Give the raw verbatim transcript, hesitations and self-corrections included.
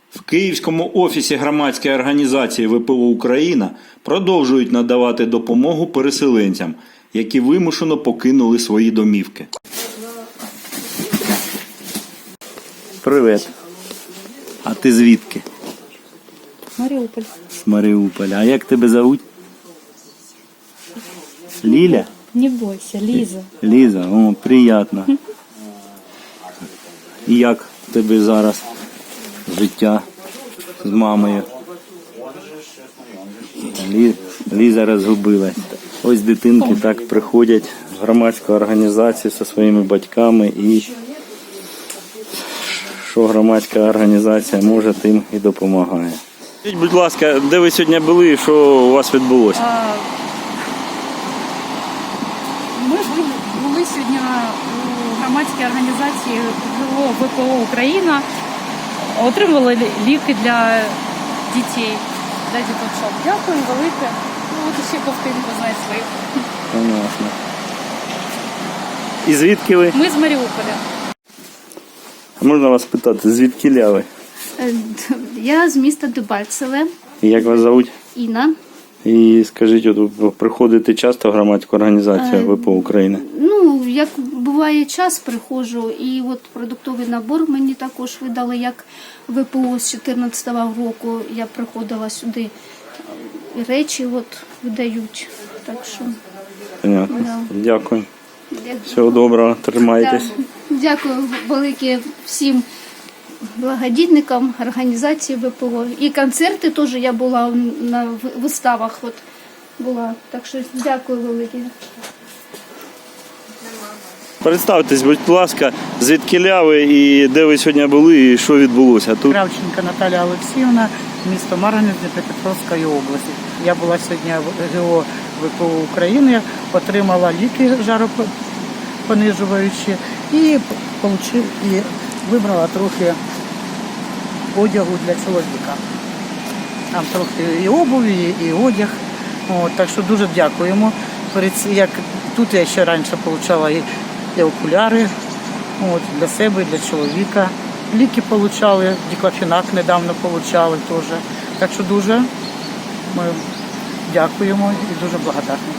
В Київському офісі громадської організації ВПО «Україна» продовжують надавати допомогу переселенцям, які вимушено покинули свої домівки. Привіт. А ти звідки? Маріуполь. З Маріуполя. А як тебе зовуть? Ліля? Не бойся, Ліза. Ліза, о, приємно. І як в тебе зараз життя з мамою? Лі... Ліза розгубилась. Ось дитинки так приходять в громадську організацію зі своїми батьками і що громадська організація може, тим і допомагає. Скажіть, будь ласка, де ви сьогодні були і що у вас відбулося? А, Ми були сьогодні у громадській організації ВПО «Україна», отримували ліки для дітей, для діточок. Дякую велике. Ну, от ще ковтинку знає своїх. Понятно. І звідки ви? Ми з Маріуполя. Можна вас питати, звідки ви? Я з міста Дебальцеве. І як вас звуть? Інна. І скажіть, от ви приходите часто в громадську організацію ВПО «Україна»? Ну, як буває час, приходжу, і от продуктовий набор мені також видали, як ВПО з чотирнадцятого року. Я приходила сюди, і речі от видають. Так що, Понятно. Да. Дякую. дя- Всього доброго, тримайтесь. Да. Дякую велике всім благодійникам організації ВПО. І концерти теж я була на виставах. От була. Так що дякую велике. Представтесь, будь ласка, звідки ви і де ви сьогодні були і що відбулося тут? Кравченко Наталія Олексіївна, місто Марганець, Дніпропетровської області. Я була сьогодні в ГО ВПО України, отримала ліки жаропонижуючі і, получив, і вибрала трохи одягу для чоловіка. Там трохи і обуві, і одяг. От, так що дуже дякуємо. Перед ці- Як тут я ще раніше отримала і, і окуляри от, для себе, і для чоловіка. Ліки отримали, діклофенак недавно отримали теж. Так що дуже ми дякуємо і дуже благодарні.